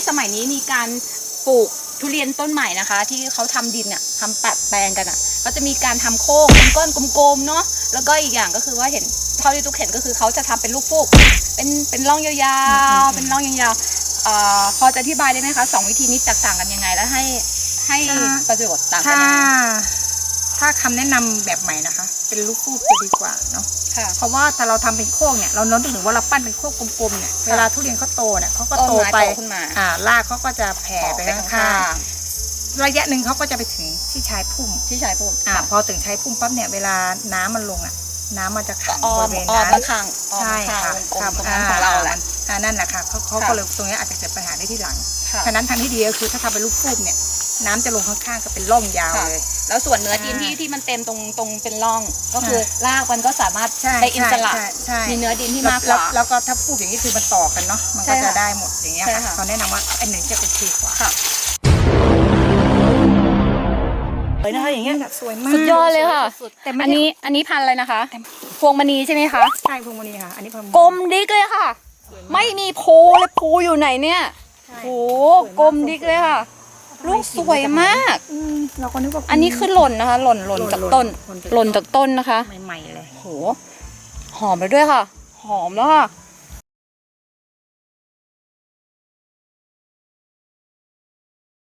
สมัยนี้มีการปลูกทุเรียนต้นใหม่นะคะที่เขาทำดินอ่ะทำแปลงกันอ่ะก็จะมีการทำโค้งเป็นก้อนกลมๆเนาะแล้วก็อีกอย่างก็คือว่าเห็นเท่าที่ทุกเห็นก็คือเขาจะทำเป็นลูกฟูกเป็นร่องยาวๆเป็นร่องยาวๆพอจะอธิบายได้ไหมคะ2 วิธีนี้แตกต่างกันยังไงแล้วให้ประโยชน์ต่างกันยังไงถ้าคำแนะนำแบบใหม่นะคะเป็นลูกฟูกจะดีกว่าเนาะเพราะว่าถ้าเราทำเป็นโค้งเนี่ยเราน้อมถึงว่าเราปั้นเป็นโค้งกลมๆเนี่ยเวลาทุเรียนเขาโตเนี่ยเขาก็โตไปรากเขาก็จะแผ่ไปข้างๆระยะหนึ่งเขาก็จะไปถึงที่ชายพุ่มพอถึงชายพุ่มปั๊บเนี่ยเวลาน้ำมันลงน้ำมันจะขังบริเวณนั้นใช่ค่ะของเราแหละนั่นแหละค่ะเขาก็เลยตรงนี้อาจจะเกิดปัญหาได้ที่หลังฉะนั้นทางที่ดีก็คือถ้าทำเป็นลูกฟูกเนี่ยน้ำจะลงข้างๆก็เป็นร่องยาวเลยแล้วส่วนเนื้อดินที่มันเต็มตรงเป็นร่องก็คือรากมันก็สามารถได้อิสระมีเนื้อดินที่มากกว่าแล้วก็ถ้าพูดอย่างนี้คือมันต่อกันเนาะมันก็จะได้หมดอย่างเงี้ยค่ะเขาแนะนำว่าอันหนึ่งจะเป็นทีกว่าเลยนะคะอย่างเงี้ยสวยมากสุดยอดเลยค่ะอันนี้พันธุ์อะไรนะคะพวงมณีใช่ไหมคะใช่พวงมณีค่ะอันนี้กลมดิ๊กเลยค่ะไม่มีโพเลยโพอยู่ไหนเนี่ยโหกลมดิ๊กเลยค่ะลูกสวยมากเราก็นึกว่าอันนี้คือหล่นนะคะหล่นจากต้นนะคะใหม่ๆเลยโหหอมไปด้วยค่ะหอมแล้วค่ะ